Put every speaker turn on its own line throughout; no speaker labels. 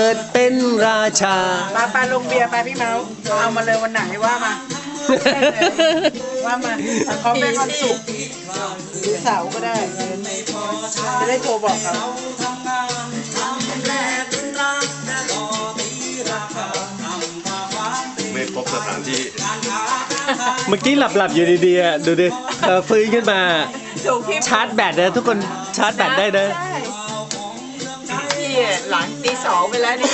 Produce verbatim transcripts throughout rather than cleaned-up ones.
ดเป็นราชา
ปาปาลงเบียร์ไปพี่เมาส์เอามาเลยวันไหนว่ามาว่ามาเขาเป็นวันศุกร์หรือเสาร์ก็ได้จะได้โทรบอกเขา
ไม่พบสถานที่
เมื่อกี้หลับหลับอยู่ดีๆอ่ะดูดิเออฟื้นขึ้นมาชาร์จแบตนะทุกคนชาร์จแบตได้นะ
พี่หลังตีสองไปแล้วนี่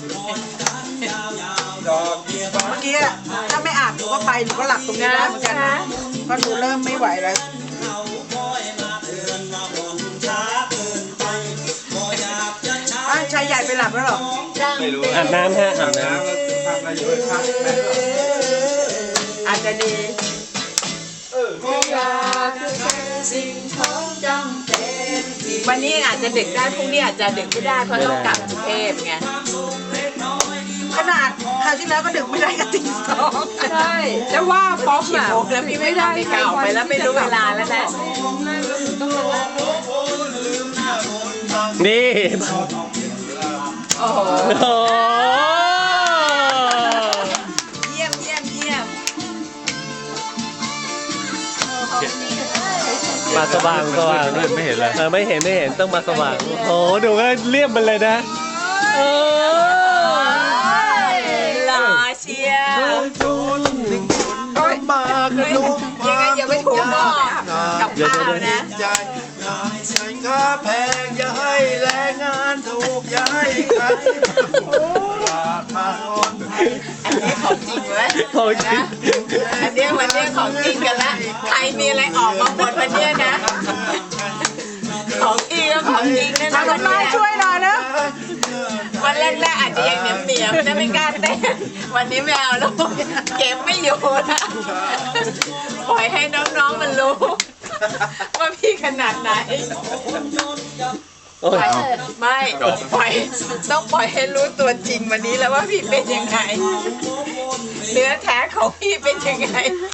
เมื่อกี้ถ้าไม่อาบหนูก็ไปหนูก็หลับตรงนี้ได้เหมือนกันนะเพราะหนูเริ่มไม่ไหวแล้วชายใหญ่ไปหลับแล้วหรอ
ไม่รู้
อาบน้ำฮะอาบน้ำ
อาจจะดีวันนี้อาจจะดึกได้พรุ่งนี้อาจจะดึกไม่ได้เพราะต้องกลับกรุงเทพไง
ขนาดคราวที่แล้วก็ดึกไม่ได้ก็ตีสอง
ใช่จะว่าป๊อปอ่ะแล้วพี่ไม่ได้เก่าไปแล้วไม่รู้เวลาแล้วนะ
นี่
โอ้โห
เยี่ยมเยี่ยมเยี่ยม
มาสว่างสว่าง
ไม่เห็นเลย
ไม่เห็นไม่เห็นต้องมาสว่างโอ้ดูก็เรียบมันเลยนะเอ
อหล่อเชียร์
มากระดุม
ยังไงอย่าไปถูกหม้อกับข้าวนะ
สินค้าแพงอย่าให้แรงงานถูกอย่าให้ใครราคาคน
อันนี้ของจริงไหม
ของจริง
อันนี้วันนี้ของจริงกันละใครมีอะไรออกมาหมดวันนี้นะของจริงก็ของจริงนะนะวันนี้
ช่วยหน่อยนะ
วันแรกๆอาจจะยังเหนียมเหนียมนะไม่กล้าเต้นวันนี้ไม่เอาแล้วเก็บไม่อยู่นะปล่อยให้น้องๆมันรู้ว่าพี่ขนาดไหนไม่ปล่อยต้องปล่อยให้รู้ตัวจริงวันนี้แล้วว่าพี่เป็นยังไงเนื้อแท้ของพี่เป็นยังไง